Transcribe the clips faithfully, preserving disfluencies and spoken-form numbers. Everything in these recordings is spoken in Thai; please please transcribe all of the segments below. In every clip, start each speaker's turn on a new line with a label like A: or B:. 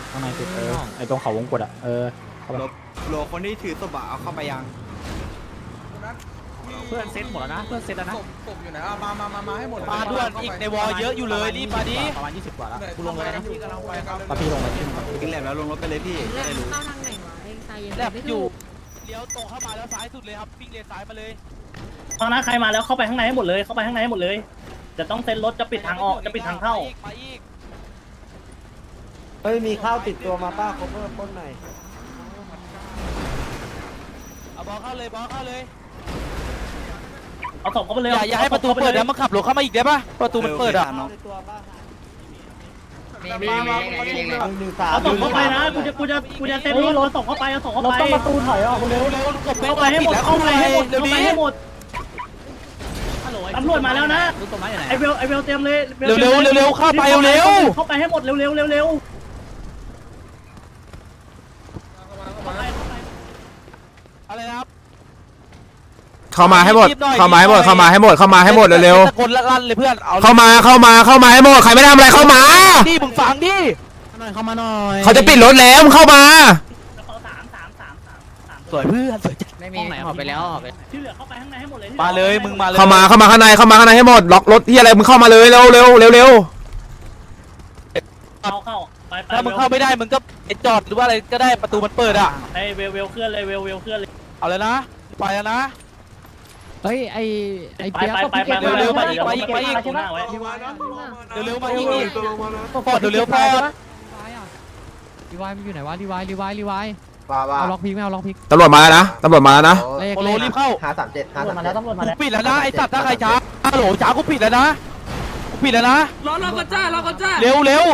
A: ข้างในสุดเออไอตรงเขาวงกดอ่ะเออโหลคนที่ถือศพเอาเข้าไปยังเพื่อนเซ็ตหมดแล้วนะเพื่อนเซ็ตแล้วนะศพอยู่ไหนมามามามาให้หมดมาด่วนอีกในวอลเยอะอยู่เลยรีบมาดิประมาณยี่สิบกว่าแล้วกูลงเลยนะพี่ลงเลยกินแหลมแล้วลงรถไปเลยพี่จะได้รู้เข้าทางไหนวะเองตายยังไม่อยู่เลี้ยวตรงเข้ามาแล้วซ้ายสุดเลยครับวิ่งเลนซ้ายมาเลย
B: ตอนนั้นใครมาแล้วเข้าไปข้างในให้หมดเลยเข้าไปข้างในให้หมดเลยจะต้องเซ็นรถจะปิดทางออกจะปิดทางเข้า
C: เฮ้ยมีข้าวติดตัวมาป้าคบเพิ่มต้นหน่อย
D: เอาบอลเข้าเลยบอลเข้าเลย
B: เอาศพเข้าไปเลย
D: อย่าอย่าให้ประตูเปิดนะมันขับรถเข้ามาอีกได้ปะประตูมันเปิดอ่ะ
C: มีมีมีหนึ่งสาม
B: เอาศพเข้าไปนะกูจะกูจะกูจะเซ็นรถเอาศพเข้าไปเอาศพเข้าไปต้องประตูถอยออกเร็ว
D: เข้า
B: เข้าไปให้หมดเข้าไปให้หมดเข้าไปให้หมดตำรวจมาแล้วนะไอเวลไอเวลเตรียมเลย
D: เร็วเร็วเร็วเร็วเข้าไปเร็ว
B: เข้าไปให้หมดเร็วเร็วเร็วเร็ว
D: อะไรนะครับ
E: เข้ามาให้หมดเข้ามาให้หมดเข้ามาให้หมดเข้ามาให้หมดเร็ว
D: ๆตะโกนลั่นเลยเพื่อนเอา
E: เข้ามาเข้ามาเข้ามาให้หมดใครไม่ทำอะไรเข้ามา
D: ดิมึงฟังดิ
A: หน่อยเข้ามาหน่อย
E: เขาจะปิดรถแล้วมึงเข้ามา
D: สวยเพื่อนสวยจัด
A: ไม่มีหอบไปแล้วหอบไป
B: ที่เหลือเข้าไปข้างในให้หมดเลย
D: มาเลยมึงมาเลย
E: เข้ามาเข้ามาข้างในเข้ามาข้างในให้หมดล็อกรถที่อะไรมึงเข้ามาเลยเร็วเร็วเร็วเร็ว
B: เข้าเข้าไปไป
D: ถ้ามึงเข้าไม่ได้มึงก็จอดหรือว่าอะไรก็ได้ประตูมันเปิดอ่ะ
B: ไอเวลเวลเคลื่อนเลยเวลเวลเคลื่อนเลย
D: เอาเลยนะไปแล้วนะ
A: เฮ้ยไอไอ
B: ไป
A: เปียก
B: ไปไปไปเร็วไปอีกไปอีกไปอีกใช่ไหม
D: เร็วๆมาอีกพอดเร็วๆพอด
A: รีวายมันอยู่ไหนวะรีวายรีวายรีวาย
C: ว่าว่า
A: เอาล็อกพิกไม่เอาล็อกพิก
E: ตำรวจมาแล้วนะตำรวจมาแล้วนะ
A: เลข
D: โปโลรีบเข้า
C: หาสามเจ็ดหาสาม
B: มา
C: เจ็
B: แล้
C: ด
B: วตำรวจมาแล้ว
D: ปิดแล้วนะไอ้สัตว์ถ้าใครช้าฮัลโหลช้ากูปิดแล้วนะกูปิดแล้วนะรอรอก็จ้ารอก็จ้าเร็วเร็ว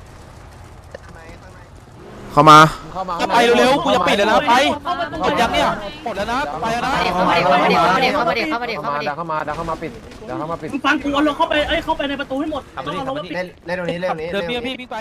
E: เข้ามา
D: ก็ไปเร็วๆกูจะปิดแล้วนะไปหมดยังเนี่ยหมดแล้วนะไปแล้วนะ
F: เข้ามาดิเข้ามาดิเข้ามาดิเข้ามาดิเข้ามาดิเข้ามาดิ
C: เดี๋ยวเข้ามาเดี๋ยวเข้ามาปิดเดี๋ยวเข้ามาปิด
B: มึงฟังกูเอาลงเข้าไปเอ้ยเข้าไปในประตูให้หมดต้องเอาลงมาปิด
C: เล่นเล่นตรงนี้เล่นตรงนี้
D: เดินพี่พี่วิ่งไป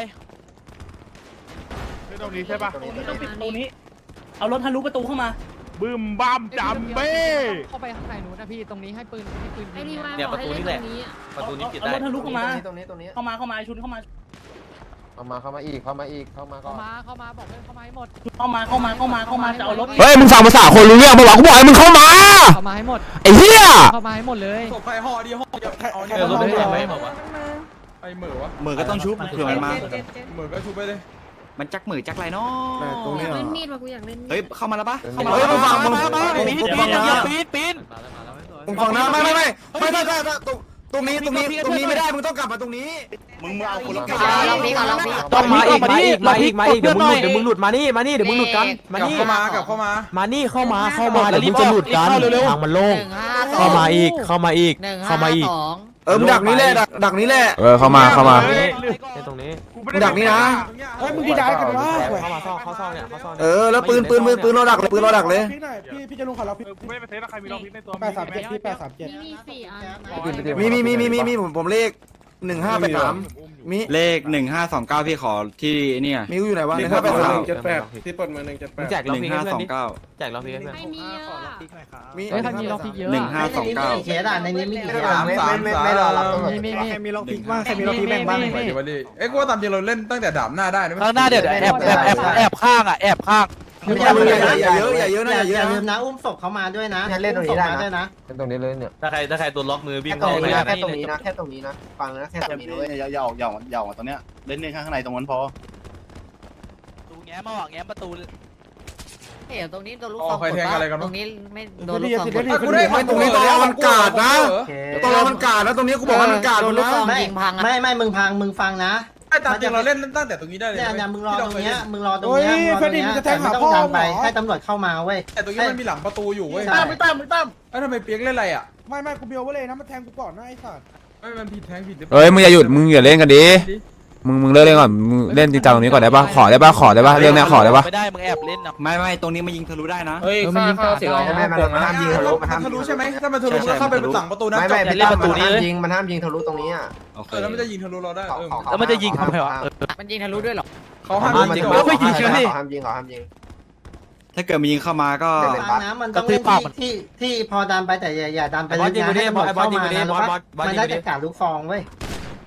C: ตรงนี้ใช่ปะ
B: ต้องปิดประตูนี้เอารถทะลุประตูเข้ามา
G: บึ้มบ้ามจำเบ้
A: เข้าไปข้างในนู้นนะพี่ตรงนี้ให้ปืนให้ปืน
F: ไอ้นี่ว่า
D: เนี่ยประตูนี่แหละประตูนี้ปิด
B: เอา
D: ได้
B: รถทะลุเข้ามา
C: ตรงนี้ตรงนี้
B: เข้ามาเข้ามาชุนเข้ามา
C: เข้ามาเข้ามาอีกเข้ามาอีกเข้ามาก่
A: เข้า
C: อน
A: มาเข้ามาบอกเพื่อนเข้ามาให้หมด
B: เข้ามาเข้ามาเข้ามาเข้ามาจะเอารถ
E: เฮ้ยมึงฟังภาษาคนรู้เรื่องปะวะกูบอกให้มึงเข้ามา
A: เข้ามาให้หมด
E: ไอ้เหี้ย
A: เข้ามาให้หมดเลย
G: ศพใครห่อดีห่อเดียวใครเอาเนี่ย
D: เออรถไม่ได้ไหมบอกว่า
G: ไอ้เหมือวะ
A: เหมือก็ต้องชุบเผื่อมันมา
G: เหมือก็ชุบไปเลย
A: มันจักเหมือจักไรเนาะ
C: ตรงนี้
F: เล่นมีดมากูอยากเล่นมีด
A: เฮ้ยเข้ามาแล้วปะ
C: เข้ามา
D: เฮ้ยมึงฟังมึงปีนปีนอย่าปีนปีน
C: มึงฟังนะไม่ไม่ไม่ไม่ไม่ไม่ตรงตรงนี้ตรงนี้ตรงนี้ไม่ได้มึงต้องกลับมาตรงนี้มึงเอาคนละ
F: เอาลองพี่เอาลองพี่
D: ต้องมาอีกมาอีกมาอีกมาอีกเดี๋ยวมึงหลุดเดี๋ยวมึงหลุด
C: มานี่มานี่เดี๋ยวมึงหลุดกันมานี่
G: เข้ามากลับเข้ามา
C: มานี่เข้ามาเข้ามาเดี๋ยวมึงจะหลุดกันทางมันโล่ง
F: หนึ่งห้าสอง
C: เข้ามาอีกเข้ามาอีก
F: หนึ่ง
C: เข้ามาอีก
F: สอง
C: เออมึงดักนี้แหละดักดักนี้แหละ
E: เออเข้ามาเข้ามา
C: ตรงนี้
G: มึงดักนี่นะ
C: เฮ้ยมึงดีใจกันวะเข้ามาซ่องเข้าซ่องเนี่ยเข้าซ่องเออแล้วปืนปืนปืนปืนเราดักเลยปืนเราดักเลย
G: พี่พี่จะลุงขอเราพี่ไม่ไปเทสถ้าใครมีลองพิษในตัว
C: แปดสามเจ็ดพี่แปดสามเจ็ด
F: มีสี่อัน
C: มีมีมีมีมีมีผมผมเลขหนึ่งห้าแปดสามมี
H: เลขหนึ่งห้าสองเก้าพี่ขอที่เนี่ย
C: มีอยู่ไหนวะหนึ่งห้าแปดสาม
H: เจ็ดแปด
C: ที่เปิดมาหนึ่งเจ็ดแปด
H: แจกหนึ่งห้าสองเก้า
C: แจกเราพี่เพื่อน
F: ไม่มีอ่ะ
C: มี
A: เฮ้ยถ้ามีล็อกพิกเยอะ
H: หนึ่งห้าสองเก้า
C: เคสอ่ะในนี้มีกี่เคสไม่ไม่ไม่ไม่รอรับตำรวจ
A: มีมีมี
C: มีล็อกพิกบ้างใครมีล็อกพิกแบ่งบ้าง
G: ไปดิมาดิเอ้กูว่าตามจริงเราเล่นตั้งแต่ดาบหน้าได้นะ
D: ข้างหน้าเดี๋ยวแอบแอบแอบแอบข้างอ่ะแอบข้าง
C: อย่าอย่าเยอะอย่าเยอะนะอย่าเยอะ
I: อย่าลืมนะอุ้มศพเขามาด้วยนะ
C: เล่นตรงนี้ได้
I: ด้วยนะ
C: เป็นตรงนี้เลยเนี่ย
D: ถ้าใครถ้าใครตัวล็อกมือวิ่ง
C: แค่ตร
D: เข้าง ไป
C: นี้นะแค่ตรงนี้นะแค่ตรงนี้นะฟังนะแค่ตรงนี้ด้วย
H: อย่าอย่าอย่าอย่าตรงเนี้ยเล่นเล่นข้างในตรงนั้นพอ
D: ตูแง้มมาว่ะแง้มประตู
F: เดี๋ยวตรงนี้โดนลูกฟองตรงนี้ไม่โดนลูกฟอง
G: กูได้
C: ไม่ตรงนี้ตรงนี้มันกาดนะตรงนี้มันกาดนะตรงนี้กูบอกว่ามันกาด
F: โดนลูกฟอง
I: ไม่
F: ยิงพังอ่ะ
I: ไม่ไม่มึงพังมึงฟังนะ
G: ไอ้ตามจริงเราเล่นตั้งแต่ตรงนี้ได้เลย
I: เนี่ยเนี่ยมึงรอตรงเนี้ยมึงรอตรงเนี้ยมึงรอตรงเนี้ยแต่ไม่ต้องดันไปให้ตำรวจเข้ามาเว้ย
G: แต่ตรงนี้มันมีหลังประตูอยู่เว้ย
I: ตั้มไม่ตั้มไม่ตั้ม
G: ไอ้ทำไมเปียกเล่นอะไรอ่ะ
J: ไม่ไม่กูเบียวไว้เลยนะมันแทงกูก่อนนะไอ้สัตว์
G: ไม่มันผิดแทงผิด
E: เฮ้ยมึงอย่าหยุดมึงอย่าเล่นกันดิมึงมึงเลิกเล่นก่อนมึงเล่นจริงจังตรงนี้ก่อนได้ปะขอได้ปะขอได้ปะเรื่องเนี้ยขอได้ปะ
D: ไม่ได้มึงแอบเล่นนะ
H: ไม่ไม่ตรงนี้มันยิงทะลุได้นะ
G: เฮ้ยข้าข้าเสียง
C: ไม่มันมันห้ามยิงทะลุมันห้าม
G: ทะลุใช่ไหมถ้ามันทะลุก็เข้าไปหลังประตูนั้น
C: ไม่ไม่เป็นประตูนี้เลยยิงมันห้ามยิงทะลุตรงนี้อ่ะ
H: โอเค
G: เออแล้วมันจะยิงทะลุเราได้เออ
D: แล้วมันจะยิงทำไมวะ
F: มันยิงทะลุด้วยหรอ
G: เขาห้ามยิง
C: เขาห้ามยิงเขาห้ามยิงเขาห้ามยิง
H: ถ้าเกิดมันยิงเข้ามาก็
I: ฟังนะมันต้องเล่นที่ที่ที่พอดันไปแต่อย่าอย่าดันไปลึกนะให้ตำรวจเข้ามานะแล้วมันได้จากการลูกฟองเว้ย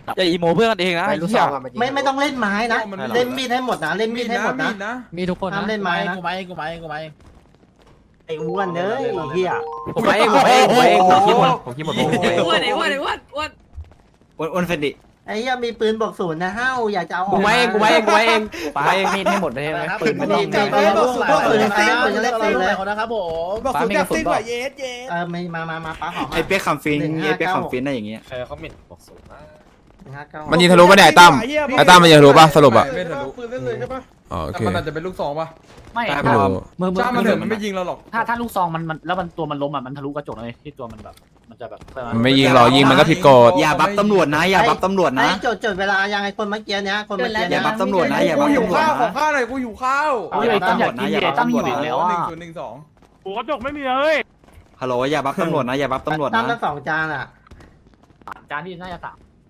D: อย่าอีโมเพื่อนกันเองนะไอ้เหี้ย
I: ไม่ไม่ต้องเล่นไม้นะเล่นมีดให้หมดนะเล่นมีดให้หมดนะ
G: นะ
A: มีทุกคน
I: ห้ามเล่นไม้นะ
A: กูไม้กูไม้กูไม้
I: ไอ้อ้วนเด้อไอ้เหี้ย
A: ผมไม้ผมไม้ผมไม้ผมคิดหมดผมคิดหมด
F: อ้วนไอ้อ้วนไอ้อ้วนอ้วน
H: อ้วนอ้วนเฟนดิ
I: ไอ้เหี้ยมีปืนบอกศูนย์นะห้าวอยากจะเอาออก
A: กูไม้เองกูไม้เองกูไม้เองไปมีดให้หมดเลยใช่ไหมปืน
I: มันดีใจไปบอกศูนย์บอกศูนย์เต้นปืนจะเล่นปืนเลย
A: นะครับผม
J: บอกสุดจากสิ้นกว่าเยสเยส
I: เออไม่มามามาป้าหอม
H: ไอเปียกคำฟินไอเปียกคำฟินได้อย่างเงี้ย
A: ใครเขาหมิ่นบอกสูงนะ
E: มันยิงทะลุปะเนี่ยไอ้ตั้มไอ้ตั้มมันยิงทะลุปะสรุปอะ
G: ไม่ทะลุ
J: ปืนเล่นเลยใช่ปะ
E: อ๋อโอ
G: แต่
E: เค
G: มันอาจจะเป็นลูกสองป่ะ
A: ไม่
E: ไม่รู้
A: มือมือ
G: จ้ามันเถอะมันไม่ยิงเราหรอก
A: ถ้าถ้าลูกซองมันมันแล้วมันตัวมันล้มอ่ะมันทะลุกระจกเลยที่ตัวมันแบบมันจะแบบ
E: มันไม่ยิงหรอกยิงมันก็ผิดกฎ
H: อย่าบัฟตำรวจนะอย่าบัฟตำรวจ
I: ไอ้
H: นะ
I: จดจดเวลายังไอ้คนเมื่อกี้เนี้ยคนเมื่อกี้
H: อย่า
I: เนี้ย
H: บัฟตำรวจนะอย่า
G: กู
H: บัฟ
G: อยู่
H: ตำรวจ
G: ข้าวขอ
H: นะ
G: ข้าวหน่อยกูอยู่ข้าว
A: โอ้ยตั้มอยากกินเลยตั้มหิวอีกแล้วอ่ะ
G: หนึ่งศูนย์หนึ่งสอง
D: หัวกระจกไม่มีเลย
H: ฮัลโหลอย่าบัฟตำรวจนะอย่าบัฟตำรวจ
I: ตั้
H: นะ
I: มละสองจานอ่ะ
A: จานที่น่าจะสาม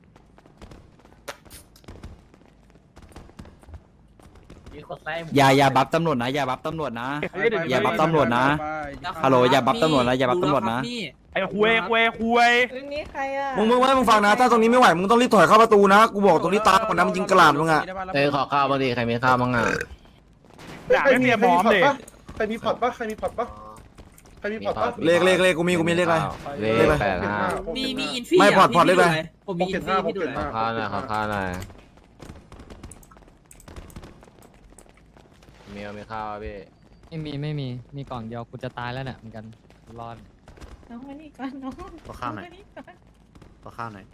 H: อย่าอย่าบัฟตำรวจนะอย่าบัฟตำรวจนะ อย่าบัฟตำรวจนะ ฮัลโหลอย่าบัฟตำรวจนะอย่าบัฟตำรวจนะ
D: ไอ้คุยคุยคุย
F: เรื่องนี้ใครอ่ะ
C: มึงมึงไม่มึงฟังนะถ้าตรงนี้ไม่ไหวมึงต้องรีบถอยเข้าประตูนะกูบอกตรงนี้ตายก่อนนะมึงยิงกระหล่ำมึงอะ
A: เออขอข้าวบางทีใครมีข้าวบ้างอ่ะ
D: อยากให้เมียพร้อมเลย
J: ใครมีพอร์ตปะใครมีพอร์ตปะใครมีพอร์ตปะ
C: เลขเลขเลขกูมีกูมีเลขอะไร
A: เลขแปดห้า
F: มีมีอินฟี่
C: ไม่พอร์ตพอร์ตเลขอะไร
F: ผมมีอินฟี่ให้ดูหน่อย
A: ข้าวหน่อยขอข้าวหน่อยมีมีข้าวพี่
K: ไม่มีไม่มีมีกล่องเดียวกูจะตายแล้วเนี่ยเหมือนกันรอด
F: น้องมานี่ก่อนน้อง
A: ขอข้าวหน่อยขอข้าวหน่อย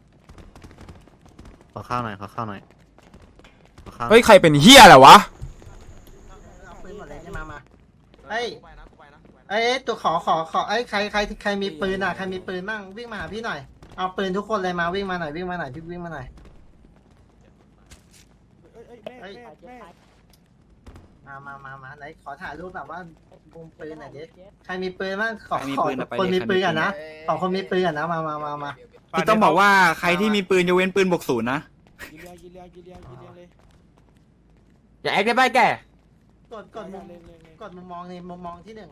A: ขอข้าวหน่อยขอข้าวหน่อยขอข้าว
E: เฮ้ยใครเป็นเฮียอะไรวะ
I: เอาปืนหมดเลยใช่ไหมมาเฮ้ยเอ้ยตัวขอขอขอไอ้ยใครใครใครมีปืนอ่ะใครมีปืนบ้างวิ่งมาหาพี่หน่อยเอาปืนทุกคนเลยมาวิ่งมาหน่อยวิ่งมาหน่อยพี่วิ่งมาหน่อย
J: เอ้ยแม่แม่
I: มามามามาไหนขอถ่ายรูปแบบว่ามุมปืนหน่อยดิใครมีปืนบ้างขอ
H: ใครมี
I: ขอ
H: ปืนอะไป
I: คน
H: เลย
I: มี
H: ใครมี
I: ปืนกัน
H: ปืน
I: นะขอคนมีปืนกันนะมามามามา
H: พี่ต้องบอกว่าใครที่มีปืนยกเว้นปืนบวกศูนย์นะ
J: ยิงเลียยิงเลียยิงเลียยิงเลียเลย
A: อย่าแอคได้ไปแก
I: กดกดมุมกดมุมมองในมุมมองที่หนึ่ง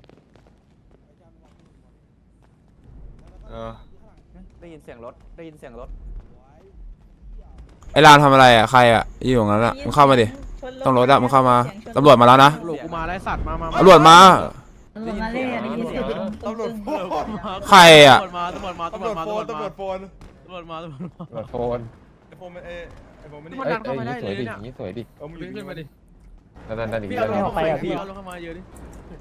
E: เออ
A: ได้ยินเสียงรถได้ยินเสียงรถ
E: ไอ้รามทำอะไรอะใครอะอยู่ตรงนั้นอะมึงเข้ามาดิต้องรถอะมึงเข้ามาตำรวจมาแล้วนะ
D: หลกูมาไล่สัตว์มามา
E: ตำรวจมา
F: ตำรวจมาเลยอ่ะได้ยินเสียง
G: ตำรวจ
E: ใครอะ
D: ตำรวจมาตำรวจมา
G: ตำ
D: ตำ
G: ร
D: ร
G: ว
D: ว
G: จ
D: จมา
G: โฟน
D: ตำ
G: ตำ
D: ร
G: ร
D: ว
G: ว
D: จ
G: จโฟน
D: ตำรวจมาตำรวจมา
E: โฟน
G: ไอโฟนมันเอไอโฟนมันนี่
D: มันดันเข้ามาได้เลยเนี่ย
E: สวยดิ
G: เออมึง
D: ขึ้นมาดิ
E: นั่นนั่นนั่นอีก
D: พี่
E: แล้
D: เอา
E: ว
D: ลงเข้าไปพี่เอาลงเข้ามาเยอะดิ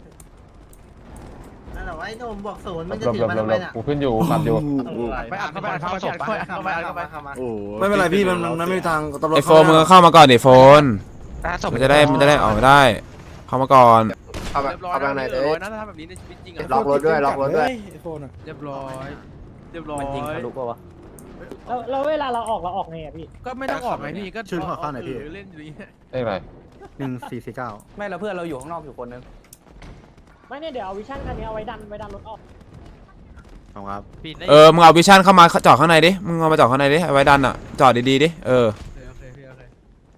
I: นั่นแหละว่าไอ้หนุ่มบวกศูนย์มันจะถือมันทำไมเนี่ย
E: กูขึ้นอยู่ขับอยู่
D: ไปอัดเข้าไปอัดเข้าไปอัดเข้าไปอัดเข้าไปอัดเข้าไป
I: เข้ามา
H: โอ้
C: ไม่เป็นไรพี่มันมันไม่มีทางตำรวจ
E: ไอโฟนมึงเข้ามาก่อนดิโฟนมันจะได้มันจะได้ออกมาได้ เข้ามาก่อน
D: เรียบร้อยนะเรียบร้อยนะถ้าทำแบบนี้ในชีวิตจริงอะ
J: ล็อกรถด้วยล็อกรถด้วยไอโฟนอ่ะ
D: เรียบร้อยเรียบร้อย
A: มันยิงทะลุป่าวะ
B: แล้วแล้วเวลาเราออกเราออกไงอ่ะพี่
D: ก็ไม่ต้องออกไงพี่ก็
A: ชื่อขอข้าวหน่อยพี่
D: เล่นอยู่นี่
E: เอ้ยไร
A: หนึ่งสี่สี่เก้าไม่เราเพื่อนเราอยู่ข้างนอกอยู่คนนึง
B: ไม่เนี่ยเดี๋ยวเอาวิชั่นคันนี้เอาไว้ดันไว้ดันรถออก
A: ครับ
D: ปิดได้
E: เออมึงเอาวิชั่นเข้ามาจอดข้างในดิมึงเอามาจอดข้างในดิเอาไว้ดันอะจอดดีๆดิเออ
D: โอเคพี่โอเค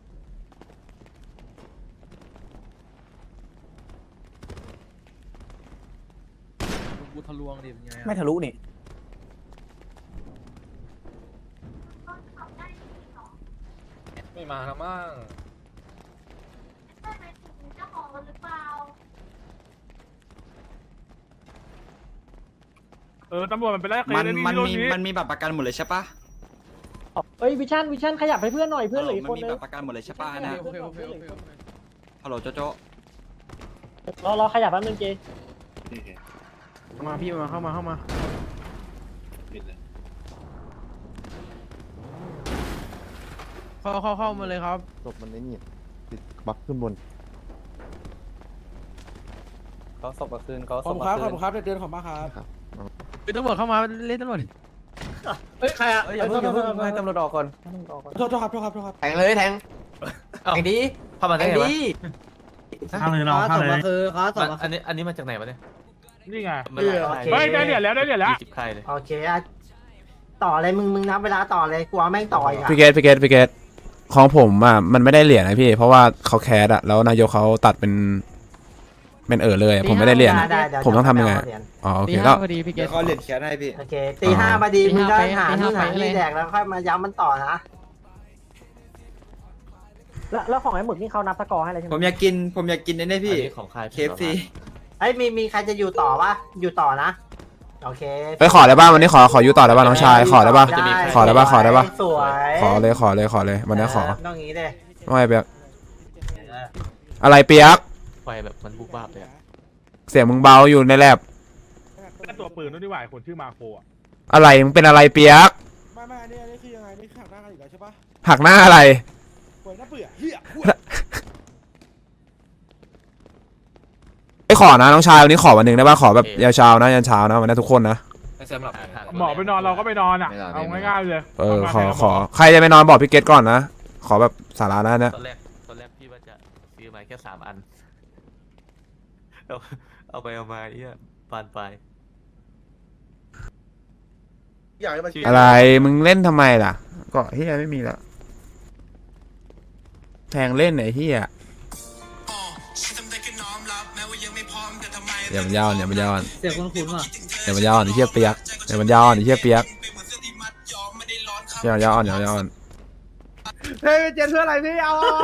D: กูทะลวงดิเป็นไงอะ
A: ไม่ทะลุนี่ไม่มาแล้วมั้ง
D: เออตำรวจมันไปไล่เค
H: มัน
D: ส
H: มัน
D: รถ
H: มีมันมีบัตรประกันหมดเลยใช่ปะ
B: เอ้ยวิชั่นวิชั่นขยับให้เพื่อนหน่อยเพื่อนเหลืออีก
H: มั
B: คน
H: มี
B: นึ
H: บั
B: ง
H: ตรประกันหมดเลยใช่ปะนะ
D: โอเคโอเคโอเคโอเค
H: ฮัลโหลโจโจ
B: รอรอขยับแป๊บนึงเจ
D: มาพี่มาเข้ามาเข้ามาเข้าเข้าเข้ามาเลยครับ
E: ศพมันไอ้นี่ติดบัฟขึ้นบน
A: เขาศพมาคืนเขา
J: ข
A: ศ
J: อบ
A: พ
J: คุณครับ
A: มา
J: ข
A: คื
J: อบ
A: น
J: คุณครับเดินขอบมาครับ
D: เป็นตำรวจเข้ามาเล่นตำรวจ
B: เฮ้ยใครอ่ะ
A: อย่าเพิ่งอย่าเพิ่งให้ตำรวจออกก่อน
J: โทษโทษครับโทษครับโทษครับ
A: แทงเลยแทงแทงดีเข้ามาได้ไงวะ
B: ข้างเลยน้องข้างเลยคือเขาสอบมา
A: อันนี้อันนี้มาจากไหนวะเนี่ย
D: นี่ไง
A: มันหลาย
D: เฮ้ยได้เหรียญแล้วได้เหรียญแล้ว
A: ยี่สิบใครเลย
I: โอเคอ่ะต่อเลยมึงมึงนับเวลาต่อเลยกลัวแม่งต่ออีกอ่ะ
E: พี่เกตพี่เกตพี่เกตของผมอ่ะมันไม่ได้เหรียญนะพี่เพราะว่าเขาแคสอะแล้วนายกเขาตัดเป็นเป็นเออเลยผมไม่ได้เรียนอะ
I: ได้ๆ
E: ผมต้องทำยังไง
I: เดี๋ว
E: อ๋อโอ
K: ตี
E: เค
K: ห้า
E: แล้ว
K: พอดีพี่เก
C: เดี๋ย
K: ต
C: วเขาเหรียญแขนให้พี่
I: โอเคตีห้าพอดี
K: ตี
I: มึง
K: ห้า
I: ก็
K: ไป
I: หา
K: ตีห้า
I: ที่ไหน
K: ไปเลย
I: ที่แดกแล้วค่อยมาย้ำมันต่อนะ
A: แล้วแล้วของไอ้หมึกนี่เขานับสกอร์ให้เลยใช่ไห
H: ผม มอยากกินผมอยากกินไอ้นี่พี่
A: ของใคร
H: เคฟซี
I: ไอ้ยมีมีใครจะอยู่ต่อปะอยู่ต่อนะโอเค
E: ไปขอได้ป่ะวันนี้ขอขออยู่ต่อได้ป่ะน้องชายขอได้ป่ะ
I: ได้
E: ขอได้ป่ะขอได้ป่ะ
I: สวย
E: ขอเลยขอเลยขอเลยวันนี้ขอ
I: ต้องงี้เลย
E: ไม่เปียกอะไรเปียก
A: ไฟแบบมันบุบบ้าเลย
E: เสียงมึงเบาอยู่ในแลบ
J: ตัวปืนนู่นดีกว่าคนชื่อมาโคอ่ะ
E: อะไรมึงเป็นอะไรเปียก
J: ไม่ไม่อันนี้อันนี้คือยังไงนี่ขับหน้ากันอยู่แล้วใช่ปะ
E: หักหน้าอะไร
J: เปิดหน้าเปื่อเฮีย
E: ไอ้ขอนะน้องชายวันนี้ขอวันหนึ่งได้ป่ะขอแบบยาวเช้านะยันเช้านะวันนี้ทุกคนนะ
J: หมอไปนอนเราก็ไปนอนอ่ะเอาง่ายๆเลย
E: เออขอขอใครจะไปนอนบอกพี่เกตก่อนนะขอแบบสาระนะเนี่ย
A: ตอนแรกตอนแรกพี่ว่าจะซื้อมาแค่สามอันเอาเอาไปเอามาเอี้ยปานไป
J: อยากให้มัน
E: อะไรมึงเล่นทำไมล่ะเกาะเฮียไม่มีละแทงเล่นไหนเฮียเดี๋ยวมันยาวเดี๋ยวมันยาว
F: เสียงคุ้นๆว่ะ
E: เดี๋ยวมันยาวเดี๋ยวเฮียเปียกเดี๋ยวมันยาวเดี๋ยวเฮียเปียกเดี๋ยวยาวเดี๋ยวยาว
J: เฮ้ยเจนเพื่ออะไรพี่เอา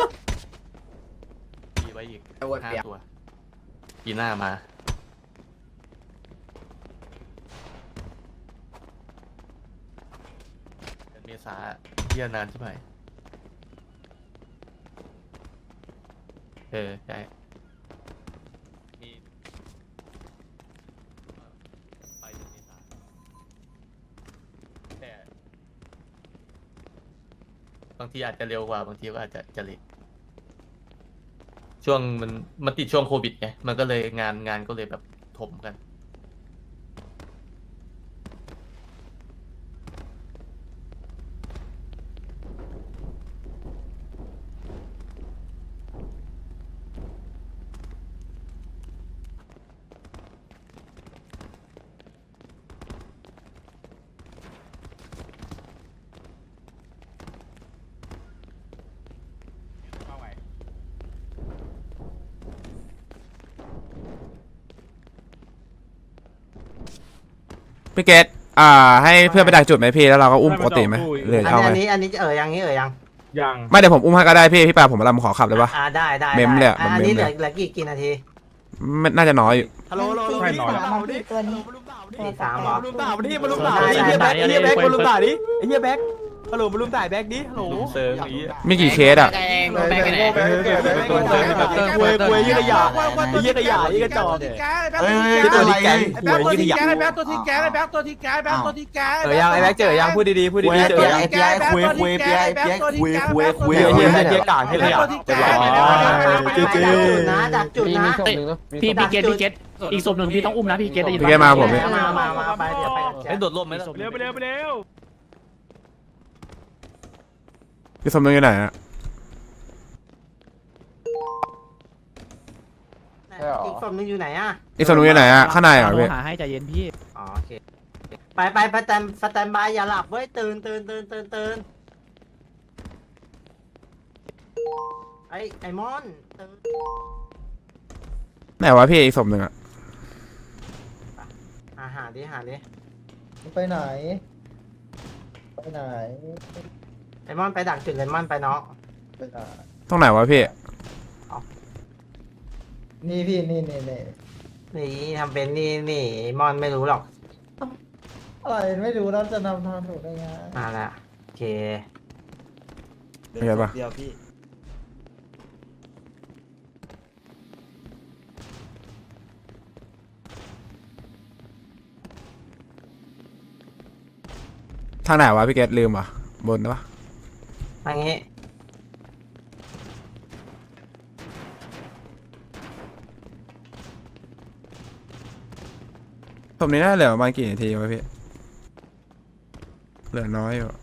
A: มีไว้อีกห้าตัวปีหน้ามาเดือนเมษาเที่ยนานใช่ไหมเออใช่มีไปเดือนเมษาแต่บางทีอาจจะเร็วกว่าบางทีก็อาจจะจะเลทช่วงมันมันติดช่วงโควิดไงมันก็เลยงานงานก็เลยแบบถมกัน
E: พี่เกตอ่าให้เพื่อนไปดักจุดไหมพี่แล้วเราก็อุ้มปกติไหมหรือ
I: อัน
E: เอา
I: นี้
E: ไหม
I: อันนี้อันนี้เออยังนี้เออยัง
J: ยัง
E: ไม่เดี๋ยวผมอุ้มให้ก็ได้พี่พี่ปาผมรับขอขับเลยปะ
I: อ่าได้ได้
E: เมมเลยอะ
I: ได้
E: มัน
I: อันนี้
E: เมม
I: เห
E: เล
I: ลือย เหลือกี่กี่นาที
E: ไม่น่าจะน้อยอยู่
H: ฮัลโหลฮัลโหล
J: ใช่หน่อย
I: ตัวนี้ตีสามเหรอ
H: มาลุมด่าดิมาลุมด่าดิไอ้เฮียแบ็คไอ้เฮียแบ็คมาลุมด่าดิไอ้เฮียแบ็คฮัลโหลมาลุมด่าแบ็คดิฮัลโหล
A: เซิร์ฟนี้
E: มีกี่เคสอ่ะ
F: แกงแบงค์ไหน
H: ควยควยยี่ขยะไอ้ยี่ขยะยี่กระจอก
C: เฮ้ย
H: ที่ตัวนี้แกงค
J: แบ็
H: วย
J: คตัว
H: ยี่ข
J: ที่
H: ยะ
J: แกไอ้แบ็คตัวที่แกไอ้แบ็คตัวที่แกไอ้แบ็คตัวที่แก
H: เจอยังไอ้แบ็คเจอยังพูดดีๆพูดดีๆเจอยัง
J: ไอ้เปียกคุยคุยเปียกเปียกคุยคุยคุย
H: เฮียเฮียเฮียกากให้ขยะเรียบร้อยเจ๊เจ๊
I: นะดักจุดนะ
B: พี่พี่เกตพี่เกตอีกศพหนึ่งพี่ต้องอุ้มนะพี่เกตได้ยิน
E: พี่เกตมาผมพี่
I: มามามาไปเดี๋ยวไปกันแช
A: ไอ้
I: ท
A: โดดร่มไหมล่ะ
J: เร็วไปเร็วไปเร็ว
E: พี่สมนึกอยู่ไหนอ่ะ
I: อีกศพหนึงอยู่ไหนอ่ะ
E: อีกสมนึกอยู่ไหนอ่ะข้างในเหรอพี่
B: หาให้ใจเย็นพี่
I: อ๋อโอเคไปไปไปสแตมสแตมบายอย่าหลับเว้ยตื่นตื่นตื่นตื่นตื่นไอไอมอนตื่น
E: ไหนวะพี่อีกสมนึงอ่ะ
I: หาหาดิหาดิ
J: ไปไหนไปไหน
I: ไอมอนไปดักจุดเลมอนไปเนาะ
J: ไปไหน
E: ตรงไหนวะพี่
J: นี่พี่นี่นี่นี่
I: นี่ทำเป็นนี่นี่ไอมอนไม่รู้หรอก
J: อะไรไม่รู้แล้วจะนำทางถูกได้ไง
I: มาละโอเค
E: โอเคปะ
H: เดียวพี่
E: ทางไหนวะพี่เกตลืมอ่ะบนปะ
I: ทางนี้
E: สมนี้น่าเหลือประมาณกี่นาทีวะพี่เหลือน้อยอยู่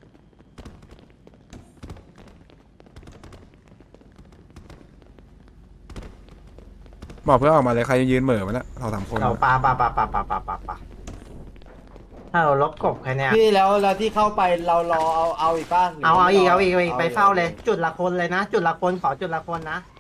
E: บอกเพื่อนออกมาเลยใครยืนเหม่อมาแล้วสองสามคน
I: เราปาปาปาปาปาปาปาปาถ้าเราลบกบแค่เนี้ย
H: พี่แล้วแล้วที่เข้าไปเรารอเอาเอาอีกบ้าง
I: เอาเอาอีกเอาอีกเอาอีกไปเฝ้าเลย จุดละคนเลยนะ จุดละคนขอจุดละคนนะ